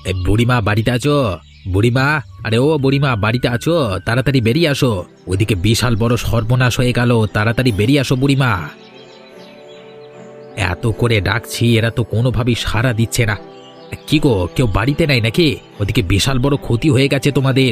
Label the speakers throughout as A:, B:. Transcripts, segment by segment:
A: বুড়িমা বাড়িতে আছো? বুড়িমা, আরে ও বুড়িমা বাড়িতে আছো? তাড়াতাড়ি বেরিয়ে আসো, ওইদিকে বিশাল বড় সর্বনাশ হয়ে গেল, তাড়াতাড়ি বেরিয়ে আসো বুড়িমা। এত করে ডাকছি, এরা তো কোনোভাবেই সাড়া দিচ্ছে না। কি গো, কেউ বাড়িতে নাই নাকি? ওদিকে বিশাল বড় ক্ষতি হয়ে গেছে তোমাদের।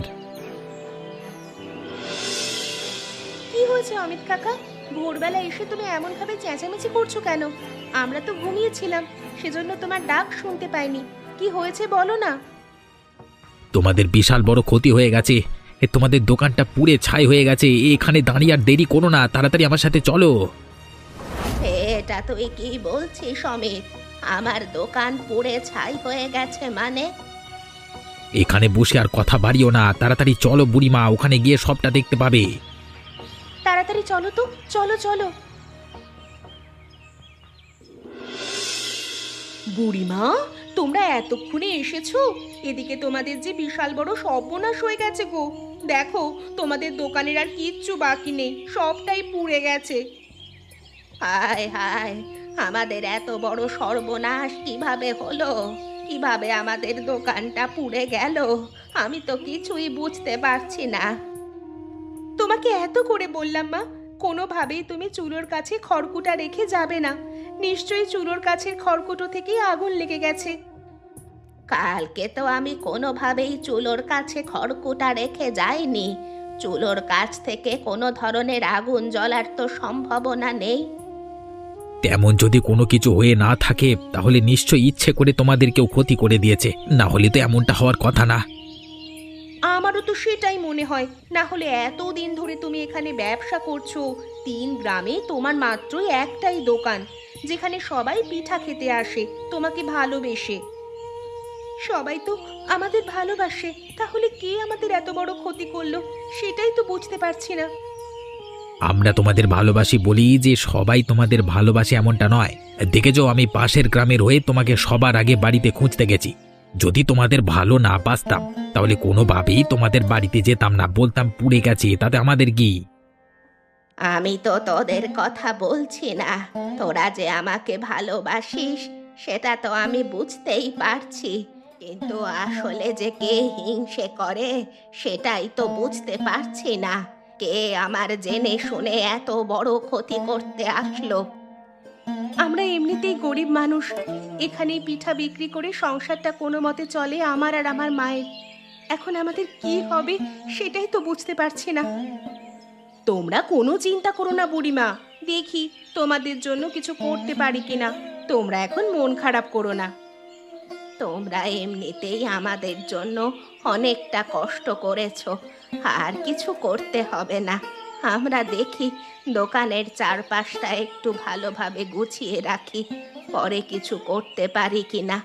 B: কি হয়েছে অমিত কাকা? ভোরবেলা এসে তুমি এমন ভাবে চেঁচামেচি করছো কেন? আমরা তো ঘুমিয়েছিলাম, সেজন্য তোমার ডাক শুনতে পাইনি। কি হয়েছে বলো না।
A: তোমাদের বিশাল বড় ক্ষতি হয়ে গেছে, তোমাদের দোকানটা পুড়ে ছাই হয়ে গেছে। এখানে দাঁড়িয়ে আর দেরি করো না, তাড়াতাড়ি আমার সাথে চলো।
B: এটা তুই কি বলছিস অমিত? আমার দোকান পুড়ে ছাই হয়ে গেছে মানে?
A: এখানে বসে আর কথা বাড়িও না, তাড়াতাড়ি চলো বুড়িমা, ওখানে গিয়ে সবটা দেখতে পাবে।
B: তাড়াতাড়ি চলো তো, চলো চলো। বুড়িমা, তোমরা এতক্ষণে এসেছো? এদিকে তোমাদের যে বিশাল বড় সর্বনাশ হয়ে গেছে গো। দেখো, তোমাদের দোকানের আর কিচ্ছু বাকি নেই, সবটাই পুড়ে গেছে। হায় হায়, আমাদের এত বড় সর্বনাশ কিভাবে হলো? কিভাবে আমাদের দোকানটা পুড়ে গেল? আমি তো কিছুই বুঝতে পারছি না। তোমাকে এত করে বললাম মা, কোনোভাবেই তুমি চুলোর কাছে খড়কুটা রেখে যাবে না। নিশ্চয়ই চুলোর কাছের খড়কুটো থেকেই আগুন লেগে গেছে। কালকে তো আমি কোনোভাবেই চুলোর কাছে খড়কুটা রেখে যাইনি। চুলোর কাছ থেকে কোনো ধরনের আগুন জ্বলার তো সম্ভাবনা নেই।
A: তেমন যদি কোনো কিছু হয়ে না থাকে, তাহলে নিশ্চয়ই ইচ্ছে করে তোমাদের কেউ ক্ষতি করে দিয়েছে, না হলে তো এমনটা হওয়ার কথা না।
B: আমারও তো সেটাই মনে হয়। না হলে এতদিন ধরে তুমি এখানে ব্যবসা করছো, 3 গ্রামে তোমার মাত্রই একটাই দোকান, যেখানে সবাই পিঠা খেতে আসে তোমাকে ভালোবেসে। সবাই তো আমাদের ভালোবাসে, তাহলে কে আমাদের এত বড় ক্ষতি করলো সেটাই তো বুঝতে পারছি না।
A: আমরা তোমাদের ভালোবাসি বলি যে সবাই তোমাদের ভালোবাসে এমনটা নয়। দেখেছো, আমি পাশের গ্রামের হয়ে তোমাকে সবার আগে বাড়িতে খুঁজতে গেছি। যদি তোমাদের ভালো না বাসতাম, তাহলে কোনোভাবেই তোমাদের বাড়িতে যেতাম না, বলতাম পুড়ে গেছে, তাতে আমাদের কি।
B: আমি তো তোদের কথা বলছি না। তোরা যে আমাকে ভালোবাসিস সেটা তো আমি বুঝতেই পারছি, কিন্তু আসলে যে কে হিংসে করে সেটাই তো বুঝতে পারছি না। কে আমার জেনে শুনে এত বড় ক্ষতি করতে আসলো? আমরা এমনিতেই গরিব মানুষ, এখানেই পিঠা বিক্রি করে সংসারটা কোনো মতে চলে আমার আর আমার মায়ের। এখন আমাদের কি হবে সেটাই তো বুঝতে পারছি না। তোমরা কোনো চিন্তা করো না বুড়িমা, দেখি তোমাদের জন্য কিছু করতে পারি কিনা। তোমরা এখন মন খারাপ করো না। তোমরা এমনিতেই আমাদের জন্য অনেকটা কষ্ট করেছো, আর কিছু করতে হবে না। আমরা দেখি দোকানের চারপাশটা একটু ভালোভাবে গুছিয়ে রাখি, পরে কিছু করতে পারি কিনা।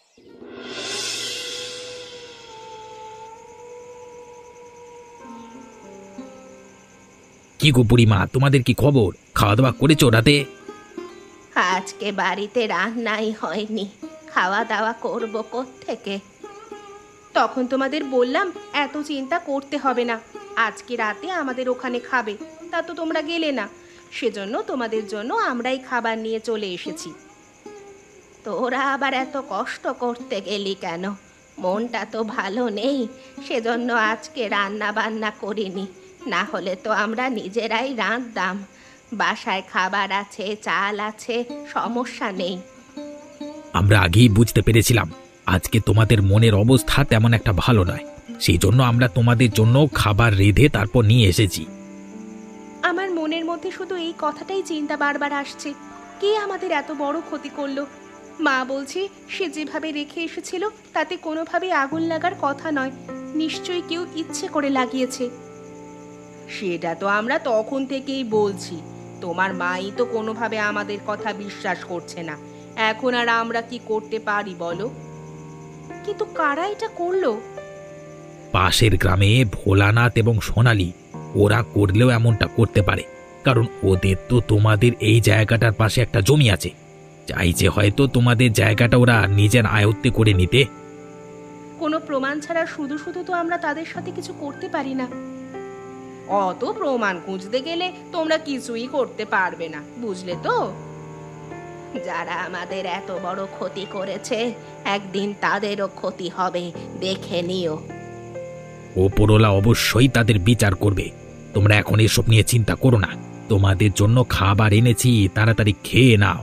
A: কি গো বুড়িমা, তোমাদের কি খবর? খাওয়া দাওয়া করেছো রাতে?
B: আজকে বাড়িতে রান্নাই হয়নি, খাওয়া দাওয়া করবো কোত্থেকে? তখন তোমাদের বললাম এত চিন্তা করতে হবে না, আজকে রাতে আমাদের ওখানে খাবে, তা তো তোমরা গেলে না। সেজন্য তোমাদের জন্য আমরাই খাবার নিয়ে চলে এসেছি। তোরা আবার এত কষ্ট করতে গেলি কেন? মনটা তো ভালো নেই, সেজন্য আজকে রান্না বান্না করিনি। না হলে তো আমরা নিজেরাই রাঁধতাম। বাসায় খাবার আছে, চাল আছে, সমস্যা নেই।
A: আমরা আগেই বুঝতে পেরেছিলাম আজকে তোমাদের মনের অবস্থা তেমন একটা ভালো নয়, সেই জন্য আমরা তোমাদের জন্য খাবার রেঁধে তারপর নিয়ে এসেছি।
B: আমার মনের মধ্যে শুধু এই কথাটাই চিন্তা বারবার আসছে, কে আমাদের এত বড় ক্ষতি করলো? মা বলছে সে যেভাবে রেখে এসেছিল তাতে কোনোভাবেই আগুন লাগার কথা নয়, নিশ্চয়ই কেউ ইচ্ছে করে লাগিয়েছে। সেটা তো আমরা তখন থেকেই বলছি, তোমার মাই তো কোনোভাবে আমাদের কথা বিশ্বাস করছে না। এখন আর আমরা কি করতে পারি বলো? কিন্তু কারা এটা করলো?
A: পাশের গ্রামে ভোলানাথ এবং সোনালি, ওরা করলেও এমনটা করতে পারে, কারণ ওদের তো তোমাদের এই জায়গাটার পাশে একটা জমি আছে। চাইছে হয়তো তোমাদের জায়গাটা ওরা নিজের আয়ত্তে করে নিতে।
B: কোনো প্রমাণ ছাড়া শুধু শুধু তো আমরা তাদের সাথে কিছু করতে পারি না। অত প্রমাণ খুঁজতে গেলে তোমরা কিছুই করতে পারবে না, বুঝলে তো? যারা আমাদের এত বড় ক্ষতি করেছে একদিন তাদেরও ক্ষতি হবে, দেখে নিও।
A: ওপরওয়ালা অবশ্যই তাদের বিচার করবে। তোমরা এখন এসব নিয়ে চিন্তা করো না, তোমাদের জন্য খাবার এনেছি, তাড়াতাড়ি খেয়ে নাও।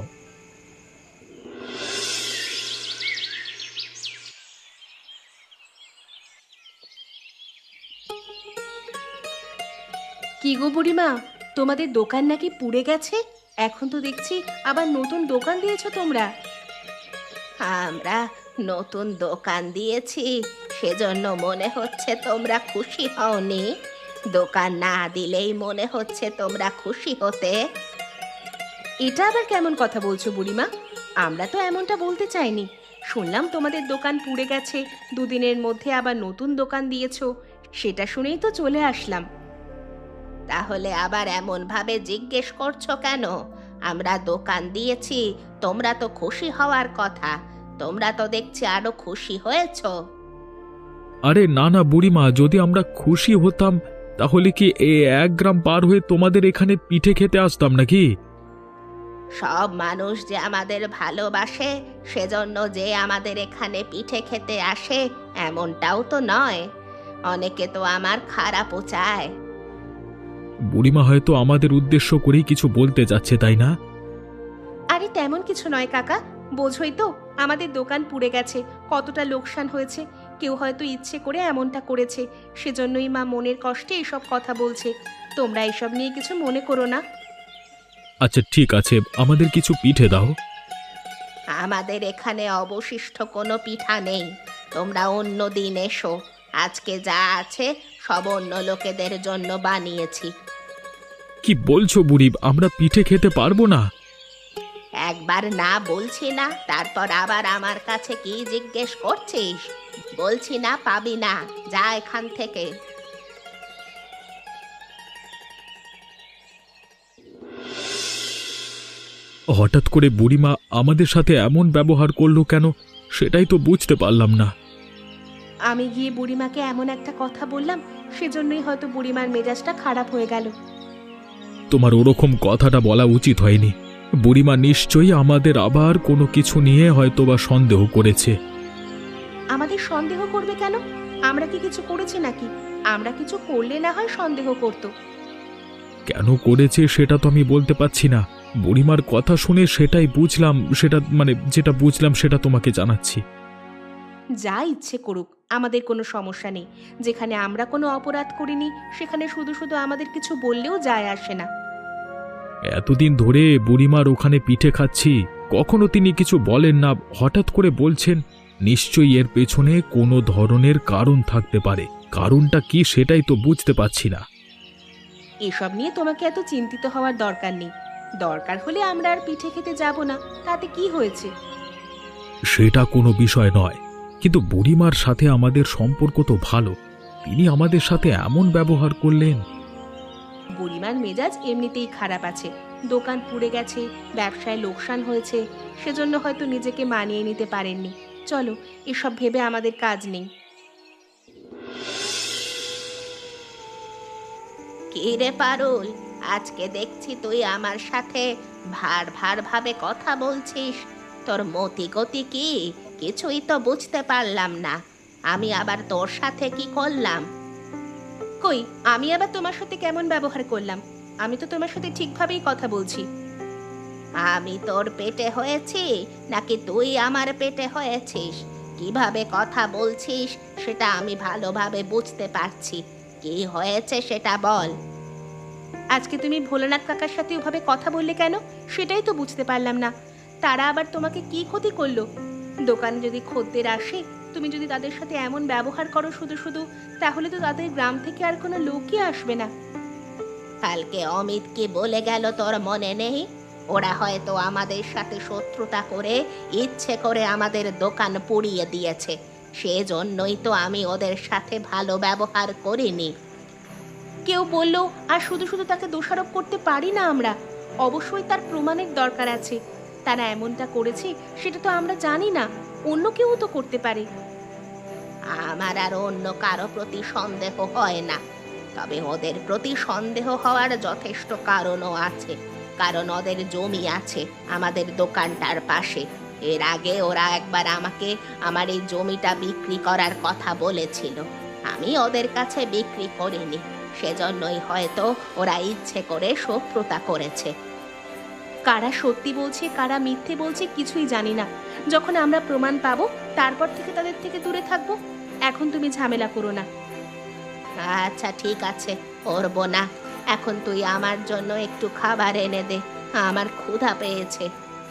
C: কি গো বুড়িমা, তোমাদের দোকান নাকি পুড়ে গেছে? এখন তো দেখছি আবার নতুন দোকান দিয়েছো তোমরা।
B: আমরা নতুন দোকান দিয়েছি, সেজন্য মনে হচ্ছে তোমরা খুশি হওনি। দোকান না দিলেই মনে হচ্ছে তোমরা খুশি হতে।
C: এটা আবার কেমন কথা বলছো বুড়িমা? আমরা তো এমনটা বলতে চাইনি। শুনলাম তোমাদের দোকান পুড়ে গেছে, দুদিনের মধ্যে আবার নতুন দোকান দিয়েছো, সেটা শুনেই তো চলে আসলাম।
B: তাহলে আবার এমন ভাবে জিজ্ঞেস করছো কেন? আমরা দোকান দিয়েছি, তোমরা তো খুশি হওয়ার কথা। তোমরা তো দেখছি আরো খুশি হয়েছো।
D: আরে না না বুড়িমা, যদি আমরা খুশি হতাম তাহলে কি 1 গ্রাম পার হয়ে তোমাদের এখানে পিঠে খেতে আসতাম নাকি?
B: সব মানুষ যে আমাদের ভালোবাসে সেজন্য যে আমাদের এখানে পিঠে খেতে আসে এমনটাও তো নয়। অনেকে তো আমার খারাপও চায়।
D: বুড়িমা হয়তো আমাদের উদ্দেশ্য করেই কিছু বলতে যাচ্ছে, তাই না?
C: আরে তেমন কিছু নয় কাকা, বোঝোই তো আমাদের দোকান পুড়ে গেছে, কতটা লোকসান হয়েছে। কেউ হয়তো ইচ্ছে করে এমনটা করেছে, সেজন্যই মা মনের কষ্টে এসব কথা বলছে। তোমরা এসব নিয়ে কিছু মনে করো না।
D: আচ্ছা ঠিক আছে, আমাদের কিছু পিঠে দাও।
B: আমাদের এখানে অবশিষ্ট কোনো পিঠা নেই, তোমরা অন্য দিন এসো। আজকে যা আছে সব অন্য লোকেদের জন্য বানিয়েছি।
D: কি বলছো বুড়ি, আমরা পিঠে খেতে পারবো না?
B: একবার না বলছি না, তারপর আবার আমার কাছে কি জিজ্ঞেস করছিস? বলছি না পাবি না, যা এখান থেকে।
D: হঠাৎ করে বুড়িমা আমাদের সাথে এমন ব্যবহার করলো কেন, সেটাই তো বুঝতে পারলাম না।
C: আমি গিয়ে বুড়িমাকে এমন একটা কথা বললাম, সেজন্যই হয়তো বুড়িমার মেজাজটা খারাপ হয়ে গেল।
D: তোমার ওরকম কথাটা বলা উচিত হয়নি। বুড়িমা নিশ্চয়ই আমাদের আবার কোনো কিছু নিয়ে হয়তোবা সন্দেহ করেছে।
C: আমাদের সন্দেহ করবে কেন? আমরা কি কিছু করেছি নাকি? আমরা কিছু করলে না হয় সন্দেহ করতো।
D: কেন করেছে সেটা তো আমি বলতে পারছি না। বুড়িমার কথা শুনে সেটাই বুঝলাম, যেটা বুঝলাম সেটা তোমাকে জানাচ্ছি।
C: যা ইচ্ছে করুক, আমাদের কোনো সমস্যা নেই। যেখানে আমরা কোনো অপরাধ করিনি সেখানে শুধু শুধু আমাদের কিছু বললেও যায় আসে না।
D: এতদিন ধরে বুড়িমার ওখানে পিঠে খাচ্ছি, কখনো তিনি কিছু বলেন না, হঠাৎ করে বলছেন। নিশ্চয়ই এর পেছনে কোনো ধরনের কারণ থাকতে পারে। কারণটা কি সেটাই তো বুঝতে পারছি না।
C: এসব নিয়ে তোমাকে এত চিন্তিত হওয়ার দরকার নেই। দরকার হলে আমরা আর পিঠে খেতে যাব না, তাতে কি হয়েছে?
D: সেটা কোনো বিষয় নয়, কিন্তু বুড়িমার সাথে আমাদের সম্পর্ক তো ভালো, তিনি আমাদের সাথে এমন ব্যবহার করলেন।
C: বুড়িমার মেজাজ এমনিতেই খারাপ আছে। দোকান পুড়ে গেছে, ব্যবসায় লোকসান হয়েছে, সেজন্য হয়তো নিজেকে মানিয়ে নিতে পারেননি। চলো, এসব ভেবে আমাদের কাজ নেই।
B: কি রে পারুল, আজকে দেখছি তুই আমার সাথে ভার ভার ভাবে কথা বলছিস। তোর মতি গতি কি? কিছুই তো বুঝতে পারলাম না। আমি আবার তোর সাথে কি করলাম?
C: কই, আমি আবার তোমার সাথে কেমন ব্যবহার করলাম? আমি তো তোমার সাথে ঠিকভাবেই কথা বলছি।
B: আমি তোর পেটে হয়েছি নাকি তুই আমার পেটে হয়েছিস? কিভাবে কথা বলছিস সেটা আমি ভালোভাবে বুঝতে পারছি। কি হয়েছে সেটা বল।
C: আজকে তুমি ভোলানাথ কাকার সাথে ওভাবে কথা বললে কেন, সেটাই তো বুঝতে পারলাম না। তারা আবার তোমাকে কি ক্ষতি করলো? দোকানে যদি খদ্দের আসে, তুমি যদি তাদের সাথে এমন ব্যবহার করো শুধু শুধু, তাহলে তো তাদের গ্রাম থেকে আর কোনো লোকই আসবে না।
B: কালকে অমিত কি বলে গেল তোর মনে নেই? ওরা হয়তো আমাদের সাথে শত্রুতা করে ইচ্ছে করে আমাদের দোকান পুড়িয়ে দিয়েছে। সেজন্যই তো আমি ওদের সাথে ভালো ব্যবহার করিনি।
C: কেউ বললো আর শুধু শুধু তাকে দোষারোপ করতে পারি না আমরা। অবশ্যই তার প্রমাণের দরকার আছে। তারা এমনটা করেছে সেটা তো আমরা জানি না, অন্য কেউ তো করতে পারে।
B: আমার আর অন্য কারো প্রতি সন্দেহ হয় না, তবে ওদের প্রতি সন্দেহ হওয়ার যথেষ্ট কারণও আছে। কারণ ওদের জমি আছে আমাদের দোকানটার পাশে। এর আগে ওরা একবার আমাকে আমার এই জমিটা বিক্রি করার কথা বলেছিল, আমি ওদের কাছে বিক্রি করিনি। সেজন্যই হয়তো ওরা ইচ্ছে করে শত্রুতা করেছে।
C: কারা সত্যি বলছে কারা মিথ্যে বলছে কিছুই জানি না। যখন আমরা প্রমাণ পাবো তারপর থেকে তাদের থেকে দূরে থাকবো। এখন তুমি ঝামেলা করো না।
B: আচ্ছা ঠিক আছে, করবো না। এখন তুই আমার জন্য একটু খাবার এনে দে, আমার ক্ষুধা পেয়েছে।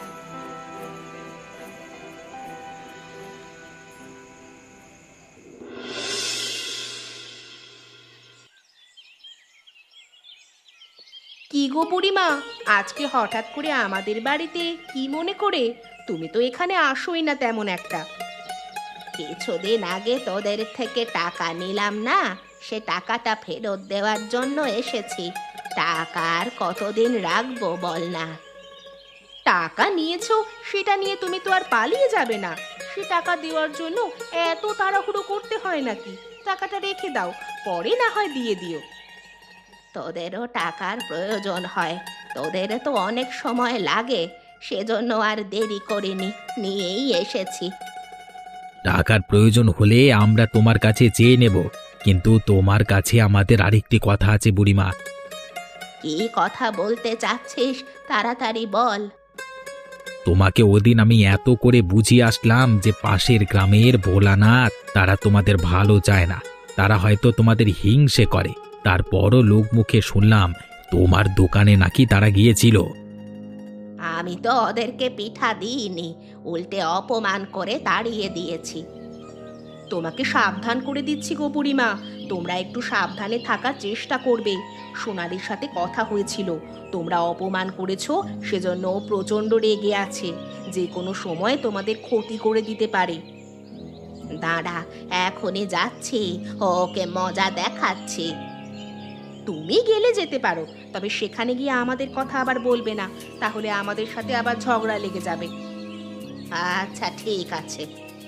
C: কি গো বুড়িমা, আজকে হঠাৎ করে আমাদের বাড়িতে কি মনে করে? তুমি তো এখানে আসোই না তেমন একটা।
B: কিছুদিন আগে তোদের থেকে টাকা নিলাম না, সে টাকাটা ফেরত দেওয়ার জন্য এসেছি। টাকা আর কতদিন রাখবো বল না?
C: টাকা নিয়েছো সেটা নিয়ে তুমি তো আর পালিয়ে যাবে না। সে টাকা দেওয়ার জন্য এত তাড়াহুড়ো করতে হয় নাকি? টাকাটা রেখে দাও, পরে না হয় দিয়ে দিও।
B: তোদেরও টাকার প্রয়োজন হয়, তোদের তো অনেক সময় লাগে, সেজন্য আর দেরি করিনি, নিয়েই এসেছি।
A: টাকার প্রয়োজন হলে আমরা তোমার কাছে চেয়ে নেব, কিন্তু তোমার কাছে আমাদের আরেকটি কথা আছে বুড়িমা।
B: কি কথা বলতে চাচ্ছিস তাড়াতাড়ি বল।
A: তোমাকে ওদিন আমি এত করে বুঝিয়ে আসলাম যে পাশের গ্রামের ভোলানাথ তারা তোমাদের ভালো চায় না, তারা হয়তো তোমাদের হিংসে করে। তারপরও লোক মুখে শুনলাম তোমার দোকানে নাকি তারা গিয়েছিল।
B: আমি তো ওদেরকে পিঠা দিইনি, উল্টে অপমান করে তাড়িয়ে দিয়েছি।
C: তোমাকে সাবধান করে দিচ্ছি গো বুড়িমা, তোমরা একটু সাবধানে থাকার চেষ্টা করবে। সোনালির সাথে কথা হয়েছিল, তোমরা অপমান করেছো, সেজন্য ও প্রচণ্ড রেগে আছে, যে কোনো সময় তোমাদের ক্ষতি করে দিতে পারে।
B: দাঁড়া, এখনই যাচ্ছি, ওকে মজা দেখাচ্ছি।
C: তুমি গেলে যেতে পারো, তবে সেখানে গিয়ে আমাদের কথা আবার বলবে না, তাহলে আমাদের সাথে আবার ঝগড়া লেগে যাবে।
B: আচ্ছা ঠিক আছে।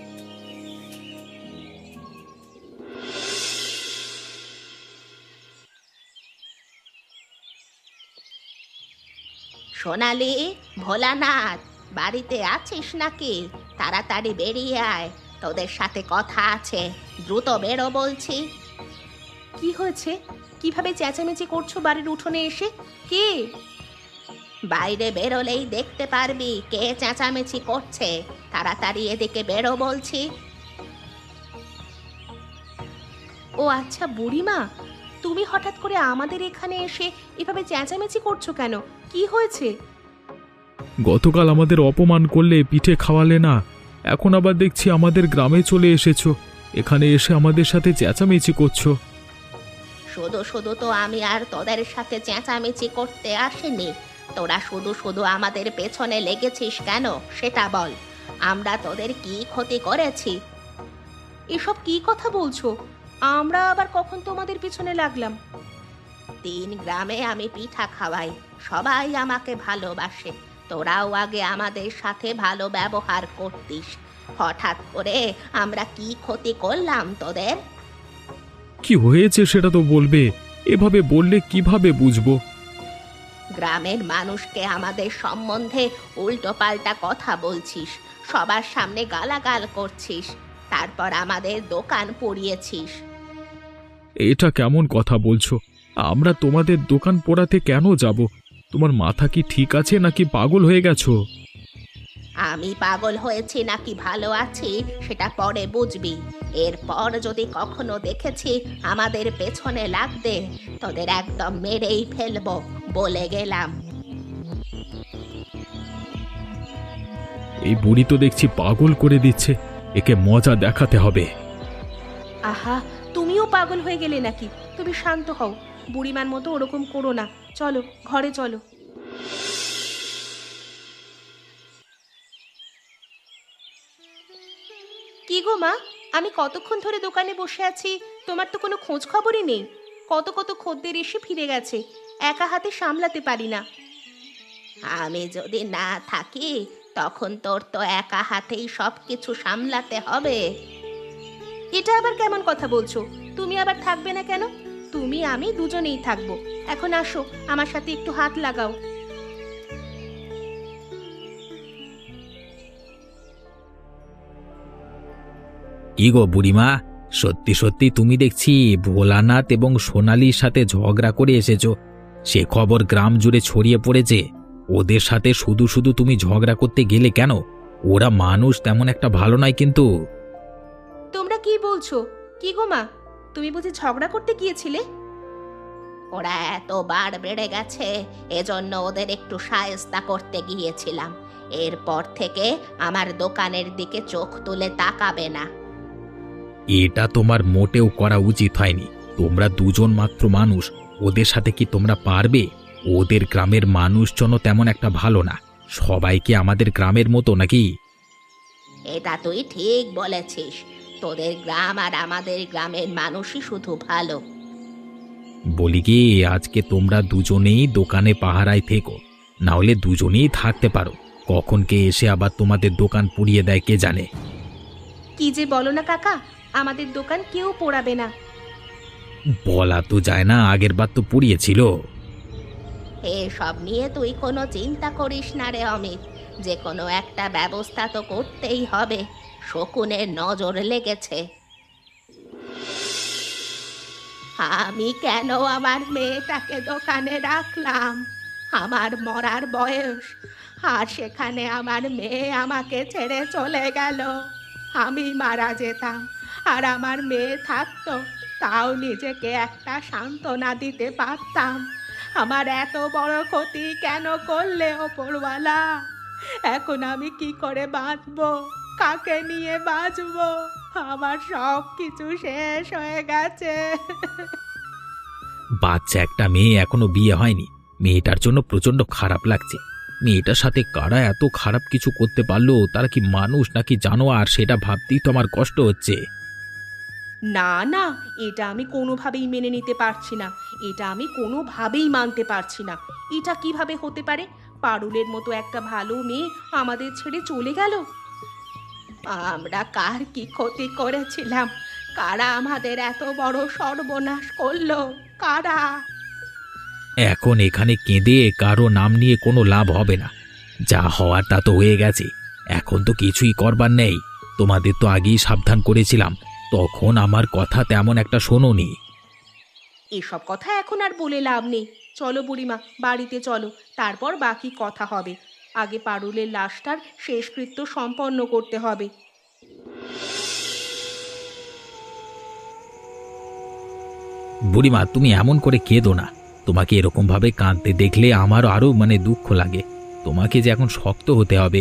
B: সোনালি, ভোলানাথ, বাড়িতে আছিস নাকি? তাড়াতাড়ি বেরিয়ে আয়, তোদের সাথে কথা আছে, দ্রুত বেরো বলছি।
C: কি হয়েছে? কিভাবে চেঁচামেচি করছো বাড়ির উঠোনে এসে? কে?
B: বাইরে বেরোলেই দেখতে পারবি কে চেঁচামেচি করছে। তাড়াতাড়ি এদিকে বেরো বলছি।
C: ও আচ্ছা বুড়িমা, তুমি হঠাৎ করে আমাদের এখানে এসে এভাবে চেঁচামেচি করছো কেন? কি হয়েছে?
D: গতকাল আমাদের অপমান করলে, পিঠে খাওয়ালে না, এখন আবার দেখছি আমাদের গ্রামে চলে এসেছো, এখানে এসে আমাদের সাথে চেঁচামেচি করছো।
B: শুধু শুধু তো আমি আর তোদের সাথে চেঁচামেচি করতে আসিনি। তোরা শুধু শুধু আমাদের পেছনে লেগেছিস কেন সেটা বল। আমরা তোদের কি ক্ষতি করেছি?
C: এসব কি কথা বলছো? আমরা আবার কখন তোমাদের পিছনে লাগলাম?
B: 3 গ্রামে আমি পিঠা খাওয়াই, সবাই আমাকে ভালোবাসে। তোরাও আগে আমাদের সাথে ভালো ব্যবহার করতিস। হঠাৎ করে আমরা কি ক্ষতি করলাম তোদের?
D: কি হয়েছে সেটা তো বলবে, এভাবে বললে কিভাবে বুঝবো?
B: গ্রামের মানুষকে আমাদের সম্বন্ধে উল্টোপাল্টা কথা বলছিস, সবার সামনে গালাগাল করছিস, তারপর আমাদের দোকান পুড়িয়েছিস।
D: এটা কেমন কথা বলছো? আমরা তোমাদের দোকান পোড়াতে কেন যাব? তোমার মাথা কি ঠিক আছে নাকি পাগল হয়ে গেছো?
B: আমি পাগল হয়েছি নাকি ভালো আছি সেটা পরে বুঝবি। এরপর যদি কখনো দেখেছি আমাদের পেছনে লাগবে, তোদের একদম মেরেই ফেলবো, বলে গেলাম।
D: এই বুড়ি তো দেখছি পাগল করে দিচ্ছে, একে মজা দেখাতে হবে।
C: আহা, তুমিও পাগল হয়ে গেলে নাকি? তুমি শান্ত হও, বুড়িমার মতো ওরকম করো না। চলো ঘরে চলো। কি গো মা, আমি কতক্ষণ ধরে দোকানে বসে আছি, তোমার তো কোনো খোঁজ খবরই নেই। কত কত খদ্দের এসে ফিরে গেছে, একা হাতে সামলাতে পারি না।
B: আমি যদি না থাকি তখন তোর তো একা হাতেই সব কিছু সামলাতে হবে।
C: এটা আবার কেমন কথা বলছো? তুমি আবার থাকবে না কেন? তুমি আমি দুজনেই থাকবো। এখন আসো, আমার সাথে একটু হাত লাগাও।
A: কি গো বুড়িমা, সত্যি সত্যি তুমি দেখছি ভোলানাথ এবং সোনালীর সাথে ঝগড়া করে এসেছো। সে খবর গ্রাম জুড়ে ছড়িয়ে পড়েছে। ওদের সাথে শুধু শুধু তুমি ঝগড়া করতে গেলে কেন? ওরা মানুষ তেমন একটা ভালো নয় কিন্তু।
C: তোমরা কি বলছো? কি গো মা, তুমি বুঝি ঝগড়া করতে গিয়েছিলে?
B: ওরা এতবার বেড়ে গেছে, এজন্য ওদের একটু শায়েস্তা করতে গিয়েছিলাম। এরপর থেকে আমার দোকানের দিকে চোখ তুলে তাকাবে না।
A: এটা তোমার মোটেও করা উচিত হয়নি। তোমরা দুজন মাত্র মানুষ, ওদের সাথে কি তোমরা পারবে? ওদের গ্রামের মানুষজনও তেমন একটা ভালো না। সবাই কি আমাদের গ্রামের মতো নাকি?
B: এটা তুই ঠিক বলেছিস। তোদের গ্রাম আর আমাদের গ্রামের মানুষই শুধু ভালো।
A: বলি কি, আজকে তোমরা দুজনেই দোকানে পাহারায় থেকো, না হলে দুজনেই থাকতে পারো। কখন কে এসে আবার তোমাদের দোকান পুড়িয়ে দেয় কে জানে।
C: কি যে বলো না কাকা, আমাদের দোকান কেউ পোড়াবে না।
A: বলা তো যায় না, আগের বার তো পুড়িয়েছিল।
B: এসব নিয়ে তুই কোনো চিন্তা করিস না রে অমিত। যে কোনো একটা ব্যবস্থা তো করতেই হবে। শকুনের নজর লেগেছে। আমি কেন আমার মেয়েটাকে দোকানে রাখলাম? আমার মরার বয়স, আর সেখানে আমার মেয়ে আমাকে ছেড়ে চলে গেল। আমি মারা যেতাম আর আমার মেয়ে থাকতো, তাও নিজেকে একটা সান্ত্বনা দিতে পারতাম। আমার এত বড় ক্ষতি কেন করলে ওপরওয়ালা? এখন আমি কি করে বাঁচবো? কাকে নিয়ে বাঁচবো? আমার সব কিছু শেষ হয়ে গেছে।
A: বাচ্চা একটা মেয়ে, এখনো বিয়ে হয়নি। মেয়েটার জন্য প্রচন্ড খারাপ লাগছে। মেয়েটার সাথে কারা এত খারাপ কিছু করতে পারলো? তারা কি মানুষ নাকি জানোয়ার, সেটা ভাবতেই তো আমার কষ্ট হচ্ছে।
C: না না, এটা আমি কোনোভাবেই মেনে নিতে পারছি না। এটা আমি কোনোভাবেই মানতে পারছি না। এটা কিভাবে হতে পারে? পারুলের মতো একটা ভালো মেয়ে আমাদের ছেড়ে চলে গেল।
B: আমরা কার কি ক্ষতি করেছিলাম? কারা আমাদের এত বড় সর্বনাশ করলো? কারা?
A: এখন এখানে কেঁদে কারো নাম নিয়ে কোনো লাভ হবে না। যা হওয়ার তা তো হয়ে গেছে। এখন তো কিছুই করবার নেই। তোমাদের তো আগেই সাবধান করেছিলাম, তখন আমার কথা তেমন একটা শোনোনি।
C: এসব কথা এখন আর বলে লাভ নেই। চলো বুড়িমা, বাড়িতে চলো, তারপর বাকি কথা হবে। আগে পারুলের লাশটার শেষকৃত্য সম্পন্ন করতে হবে।
A: বুড়িমা, তুমি এমন করে কেঁদো না। তোমাকে এরকম ভাবে কাঁদতে দেখলে আমারও আরো দুঃখ লাগে। তোমাকে যে এখন শক্ত হতে হবে।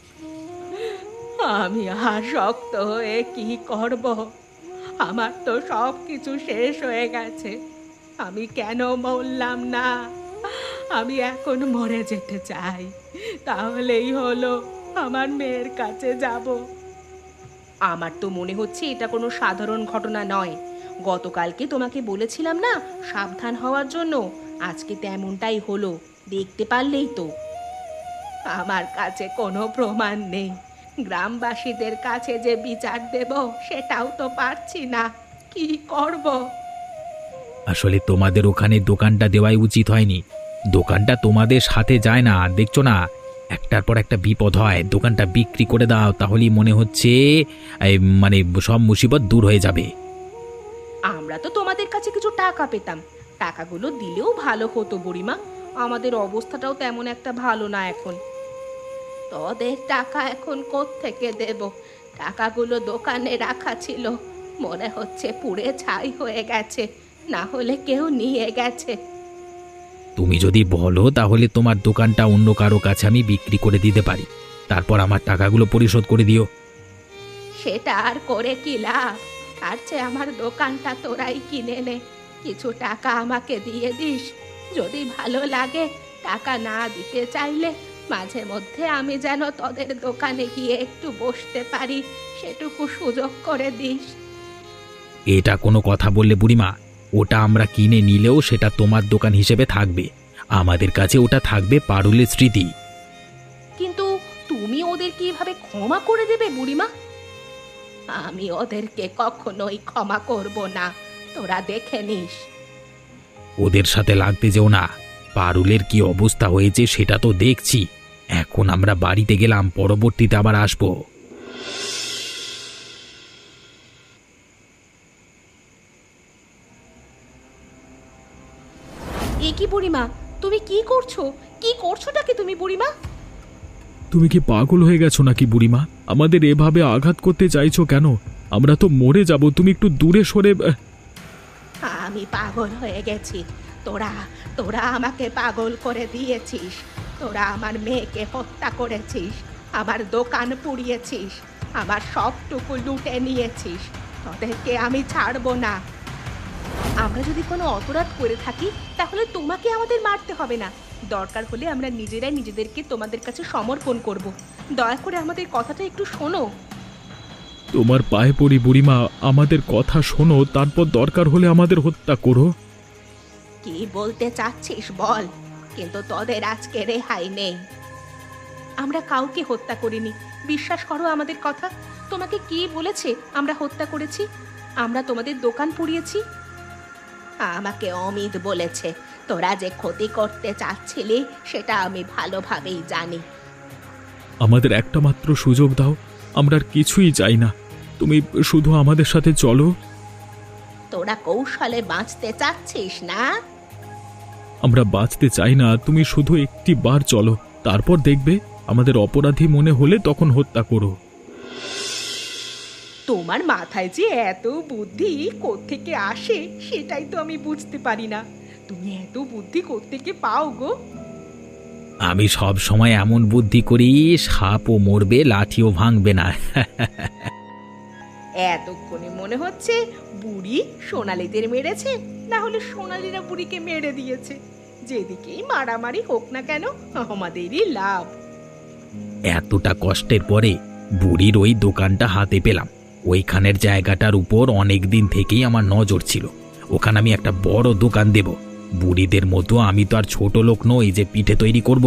B: আমি আর শক্ত হয়ে কি করব? আমার তো সব কিছু শেষ হয়ে গেছে। আমি কেন মরলাম না? আমি এখন মরে যেতে চাই, তাহলেই হলো। আমার মেয়ের কাছে যাব।
C: আমার তো মনে হচ্ছে এটা কোনো সাধারণ ঘটনা নয়। গতকালকে তোমাকে বলেছিলাম না সাবধান হওয়ার জন্য, আজকে তেমনটাই হলো। দেখতে পারলেই তো।
B: আমার কাছে কোনো প্রমাণ নেই। গ্রামবাসীদের কাছে যে বিচার দেব সেটাও তো পারছি না। কি করব?
A: আসলে তোমাদের ওখানে দোকানটা দেওয়াই উচিত হয়নি। দোকানটা তোমাদের সাথে যায় না, দেখছো না? একটার পর একটা বিপদ হয়। দোকানটা বিক্রি করে দাও, তাহলেই মনে হচ্ছে এই, সব মুসিবত দূর হয়ে যাবে।
C: আমরা তো তোমাদের কাছে কিছু টাকা পেতাম। টাকাগুলো দিলেও ভালো হতো বুড়িমা। আমাদের অবস্থাটাও তেমন একটা ভালো না এখন।
B: তোদের টাকা এখন কোত্থেকে দেব? টাকাগুলো দোকানে রাখা ছিল, মনে হচ্ছে পুড়ে ছাই হয়ে গেছে। না হলে কেউ নিয়ে গেছে।
A: তুমি যদি বলো তাহলে তোমার দোকানটা অন্য কারো কাছে আমি বিক্রি করে দিতে পারি, তারপর আমার টাকাগুলো পরিশোধ করে দিও।
B: সেটা আর করে কি লাভ? তার চেয়ে আমার দোকানটা তোরাই কিনে নে। কিছু টাকা আমাকে দিয়ে দিস। যদি ভালো লাগে, টাকা না দিতে চাইলে মাঝে মধ্যে আমি যেন তোদের দোকানে গিয়ে একটু বসতে পারি, সেটুকু সুযোগ করে দিস।
A: এটা কোনো কথা বললে বুড়িমা? ওটা আমরা কিনে নিলেও সেটা তোমার দোকান হিসেবে থাকবে। আমাদের কাছে ওটা থাকবে পারুলের স্মৃতি।
C: কিন্তু তুমি ওদের কিভাবে ক্ষমা করে দেবে বুড়িমা?
B: আমি ওদেরকে কখনোই ক্ষমা করব না, তোরা দেখে নিস।
A: ওদের সাথে লাগতে যেও না। পারুলের কি অবস্থা হয়েছে সেটা তো দেখছি। এখন আমরা বাড়িতে গেলাম, পরবর্তীতে আবার আসবো।
C: আচ্ছা বুড়িমা, তুমি বাড়িতে যাও। আমি এক্ষুনি আসছি।
A: আচ্ছা, ঠিক আছে।
C: তুমি বাড়িতে যাও। আমি এক্ষুনি আসছি।
A: আচ্ছা।
C: এ কি বুড়িমা, তুমি কি করছো? কি করছোটাকে তুমি বুড়িমা?
D: তুমি কি পাগল হয়ে গেছো নাকি বুড়িমা? আমাদের এভাবে আঘাত করতে চাইছো কেন? আমরা তো মরে যাব, তুমি একটু দূরে সরে।
B: আমি পাগল হয়ে গেছি। তোরা তোরা আমাকে পাগল করে দিয়েছিস। তোরা আমার মেয়েকে হত্যা করেছিস, আমার দোকান পুড়িয়েছিস, আমার সবটুকু লুটে নিয়েছিস। তোদেরকে আমি ছাড়বো না।
C: আমরা যদি কোনো অপরাধ করে থাকি তাহলে তোমাকে আমাদের মারতে হবে না। দরকার হলে আমরা নিজেরাই নিজেদেরকে তোমাদের কাছে সমর্পণ করব। দয়া করে আমাদের কথাটা একটু শোনো।
D: তোমার পায়ে পড়ি বুড়িমা, আমাদের কথা শোনো, তারপর দরকার হলে আমাদের হত্যা করো।
B: কি বলতে চাচ্ছিস বল, কিন্তু তোদের আজকে রেহাই নেই।
C: আমরা কাউকে হত্যা করিনি, বিশ্বাস করো আমাদের কথা। তোমাকে কে বলেছে আমরা হত্যা করেছি? আমরা তোমাদের দোকান পুড়িয়েছি।
B: আমাকে অমিত বলেছে। তোরা যে ক্ষতি করতে চাচ্ছিলি সেটা আমি ভালোভাবেই জানি।
D: আমাদের একটা মাত্র সুযোগ দাও, আমরা আর কিছুই চাই না। তুমি শুধু আমাদের সাথে চলো।
B: তোরা কৌশলে বাঁচতে চাচ্ছিস না?
D: আমরা বাঁচতে চাই না, তুমি শুধু একটি বার চলো, তারপর দেখবে আমাদের অপরাধী মনে হলে তখন হত্যা করো।
C: তোমার মাথায় যে এত বুদ্ধি কোত্থেকে আসে সেটাই তো আমি বুঝতে পারি না। তুমি এত বুদ্ধি কোত্থেকে পাও গো?
A: আমি সব সময় এমন বুদ্ধি করি, সাপও মরবে, লাঠিও ভাঙবে না।
C: এতক্ষণে মনে হচ্ছে বুড়ি সোনালীদের মেরেছে, না হলে সোনালীরা বুড়িকে মেরে দিয়েছে। যেদিকেই মারামারি হোক না কেন আমাদেরই লাভ।
A: এতটা কষ্টের পরে বুড়ির ওই দোকানটা হাতে পেলাম। ওইখানের জায়গাটার উপর অনেক দিন থেকেই আমার নজর ছিল। ওখানে আমি একটা বড় দোকান দেব। বুড়িদের মতো আমি তো আর ছোট লোক নই যে পিঠে তৈরি করব।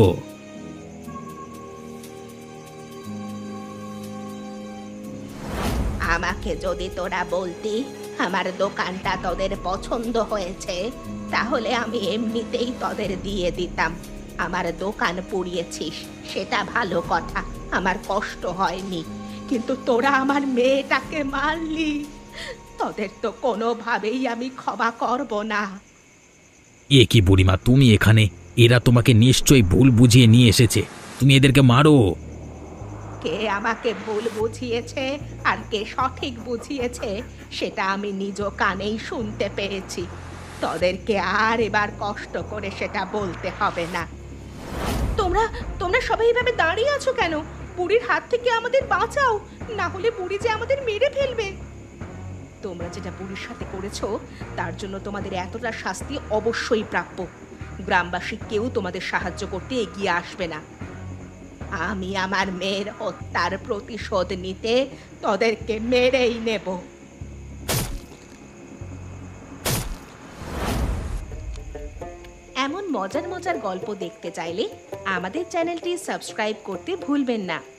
B: আমাকে যদি তোরা বলতি আমার দোকানটা তোদের পছন্দ হয়েছে, তাহলে আমি এমনিতেই তোদের দিয়ে দিতাম। আমার দোকান পুড়িয়েছিস সেটা ভালো কথা, আমার কষ্ট হয়নি। কিন্তু তোরা আমার মেয়েটাকে মারলি, তোদের তো কোনোভাবেই আমি ক্ষমা করব না।
A: এ কি বুড়িমা, তুমি এখানে? এরা তোমাকে নিশ্চয়ই ভুল বুঝিয়ে নিয়ে এসেছে। তুমি এদেরকে মারো।
B: কে আমাকে ভুল বুঝিয়েছে আর কে সঠিক বুঝিয়েছে সেটা আমি নিজ কানেই শুনতে পেয়েছি। তোদেরকে আর এবার কষ্ট করে সেটা বলতে হবে না।
C: তোমরা তোমরা সবাই এভাবে দাঁড়িয়ে আছো কেন? বুড়ির হাত থেকে আমাদের বাঁচাও, না হলে বুড়ি যে আমাদের মেরে ফেলবে। তোমরা যেটা বুড়ির সাথে করেছো তার জন্য তোমাদের এতটা শাস্তি অবশ্যই প্রাপ্য। গ্রামবাসী কেউ তোমাদের সাহায্য করতে এগিয়ে আসবে না।
B: আমি আমার মেয়ের হত্যার প্রতিশোধ নিতে তোদেরকে মেরেই নেব।
C: এমন মজার মজার গল্প দেখতে চাইলে আমাদের চ্যানেলটি সাবস্ক্রাইব করতে ভুলবেন না।